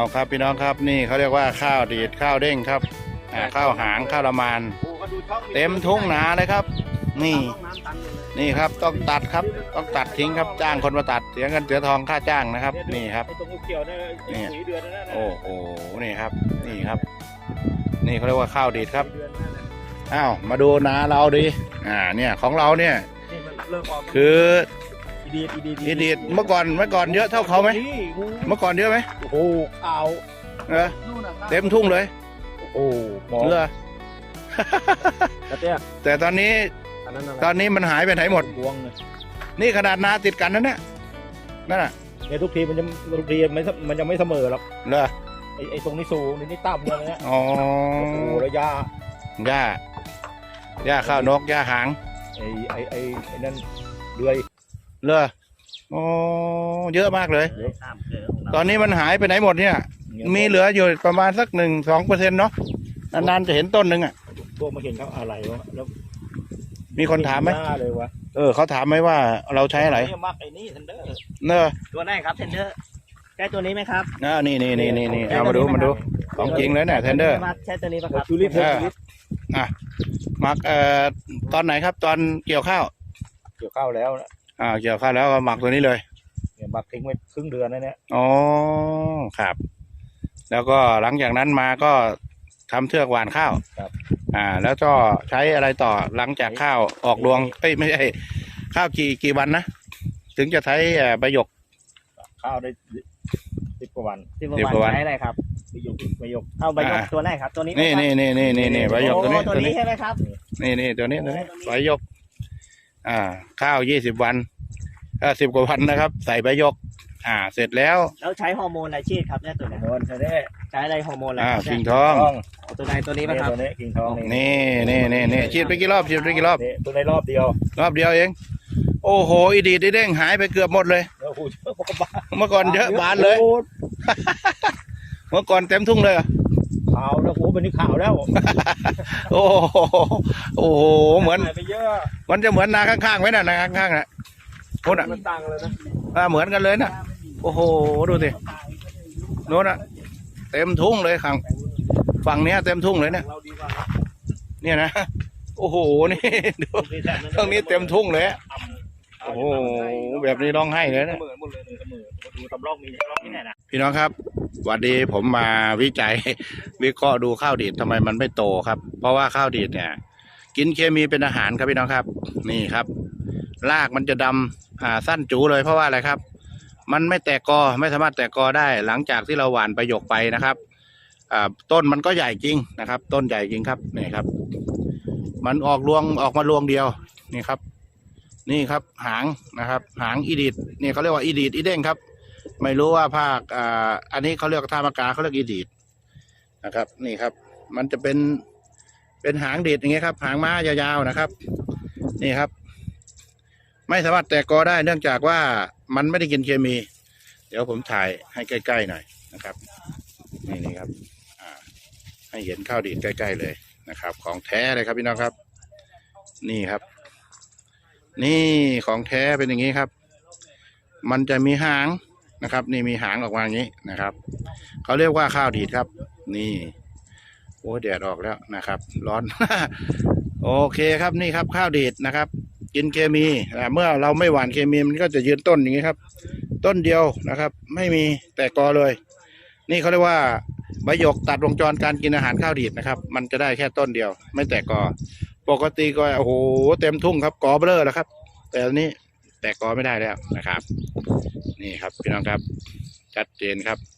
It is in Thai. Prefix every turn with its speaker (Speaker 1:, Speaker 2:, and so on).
Speaker 1: ครับพี่น้องครับนี่เขาเรียกว่าข้าวดีดข้าวเด้งครับข้าวหางข้าวละมานเต็มทุ่งนาเลยครับนี่ครับต้องตัดครับต้องตัดทิ้งครับจ้างคนมาตัดเสียเงินเสียทองค่าจ้างนะครับนี่ครับนี่โอ้โหนี่ครับนี่ครับนี่เขาเรียกว่าข้าวดีดครับอ้าวมาดูนาเราดิเนี่ยของเราเนี่ยคืออีดีดเมื่อก่อนเยอะเท่าเขาไหมเมื่อก่อนเยอะไหม
Speaker 2: โอ้โหเอา
Speaker 1: เต็มทุ่งเลย
Speaker 2: โอ้หมอ
Speaker 1: เรือแต่ตอนนี้มันหายไปไหนหมดนี่ขนาดนาติดกันนั่นเนี่ยนั่นน่ะ
Speaker 2: เนี่ยทุกทีมันยังไม่เสมอหรอก
Speaker 1: เหรอ
Speaker 2: ไอ้ตรงนี้สูงนี่ต่ำเลยเนี่ย
Speaker 1: อ๋อ
Speaker 2: แล้วห
Speaker 1: ญ้าข้าวนกหญ้าหาง
Speaker 2: ไอ้นั่นเลื่อย
Speaker 1: อ๋อเยอะมากเลยตอนนี้มันหายไปไหนหมดเนี่ยมีเหลืออยู่ประมาณสัก1-2%เนาะนานๆจะเห็นต้นหนึ่ง
Speaker 2: พวกมาเห็นเขาอะไรวะแล้ว
Speaker 1: มีคนถามไหมเขาถามไหมว่าเราใช้อะไร
Speaker 2: มักไอ้นี่เทนเดอร์
Speaker 1: เนอะ
Speaker 3: ตัวไหนครับเทนเดอร์ใช่ตัวนี้ไหมครับ
Speaker 1: นี่เอามาดูของจริงเลยเนี่ยเทนเดอร์
Speaker 3: ใช่ตัวนี้ป่ะครับ
Speaker 1: มักตอนไหนครับตอนเกี่ยวข้าว
Speaker 2: แล้วนะ
Speaker 1: เกี่ยวข้าวแล้วก็หมักตัวนี้เลย
Speaker 2: เนี่ยหมักทิ้งไว้ครึ่งเดือนนะเนี่ย
Speaker 1: อ๋อครับแล้วก็หลังจากนั้นมาก็ทำเทือกหว่านข้าว
Speaker 2: ครับ
Speaker 1: แล้วก็ใช้อะไรต่อหลังจากข้าวออกรวงไม่ใช่ข้าวกี่วันนะถึงจะใช้ใบหยก
Speaker 2: ข้าวได้10 กว่าวัน
Speaker 3: ใช้อะไรครับ
Speaker 2: ใบหยก
Speaker 3: เอาใบหยกตัวไหนครับตัวนี้
Speaker 1: นี่ใบหยกตัว
Speaker 3: นี้ใช่ไหมครับ
Speaker 1: นี่ตัวนี้ใบหยกข้าว20 วัน10 กว่าวันนะครับใส่ใบหยกเสร็จแล้ว
Speaker 3: ใช้ฮอร์โมนอะไรฉีดครับเนี่ยตัวนี้ใช้อะไรฮอร์โมนอะไร
Speaker 1: กิ่งทอง
Speaker 3: ตัวไหนตัวนี้ป่ะครับ
Speaker 2: ตัวนี้กิ่งทอง
Speaker 1: นี่ฉีดไปกี่รอบ
Speaker 2: ตัวในรอบเดียว
Speaker 1: เองโอ้โหอีดีดเด้งหายไปเกือบหมดเลยเมื่อก่อนเยอะบานเลยเมื่อก่อนเต็มทุ่งเลย
Speaker 2: ขาวแล้วเป็นนี่ขาวแล้ว
Speaker 1: โอ้โหเหมือนมันจะเหมือนนาข้างๆไหมน่ะนาข้างๆน่ะโน่น
Speaker 2: มันต่างเลยนะ
Speaker 1: เหมือนกันเลยนะโอ้โหดูสิโน่นเต็มทุ่งเลยข้างฝั่งนี้เต็มทุ่งเลยเนี่ยนะโอ้โหนี่ดูตรงนี้เต็มทุ่งเลยโอ้โหแบบนี้ร้องไห้เลยนะพี่น้องครับวันนี้ผมมาวิจัยวิเคราะห์ดูข้าวดีดทำไมมันไม่โตครับเพราะว่าข้าวดีดเนี่ยกินเคมีเป็นอาหารครับพี่น้องครับนี่ครับรากมันจะดำสั้นจูเลยเพราะว่าอะไรครับมันไม่แตกกอไม่สามารถแตกกอได้หลังจากที่เราหว่านประโยคไปนะครับต้นมันก็ใหญ่จริงนะครับต้นใหญ่จริงครับนี่ครับมันออกมารวงเดียวนี่ครับหางนะครับหางอีดีดนี่เขาเรียกว่าอีดีดอีเด้งครับไม่รู้ว่าภาคอันนี้เขาเรียกท่ามากาเขาเรียกอีดีดนะครับนี่ครับมันจะเป็นหางดีดอย่างเงี้ยครับหางม้ายาวๆนะครับนี่ครับไม่สามารถแตกกอได้เนื่องจากว่ามันไม่ได้กินเคมีเดี๋ยวผมถ่ายให้ใกล้ๆหน่อยนะครับนี่ครับให้เห็นข้าวดีดใกล้ๆเลยนะครับของแท้เลยครับพี่น้องครับนี่ครับนี่ของแท้เป็นอย่างนี้ครับมันจะมีหางนะครับนี่มีหางออกมาอย่างนี้นะครับเขาเรียกว่าข้าวดีดครับนี่โอ้แดดออกแล้วนะครับร้อน โอเคครับนี่ครับข้าวดีดนะครับกินเคมีเมื่อเราไม่หว่านเคมีมันก็จะยืนต้นอย่างนี้ครับต้นเดียวนะครับไม่มีแตกกอเลยนี่เขาเรียกว่าใบหยกตัดวงจรการกินอาหารข้าวดีดนะครับมันจะได้แค่ต้นเดียวไม่แตกกอปกติก็โอ้โหเต็มทุ่งครับกอเบลอแล้วครับแต่อันนี้แตกกอไม่ได้แล้วนะครับนี่ครับพี่น้องครับชัดเจนครับ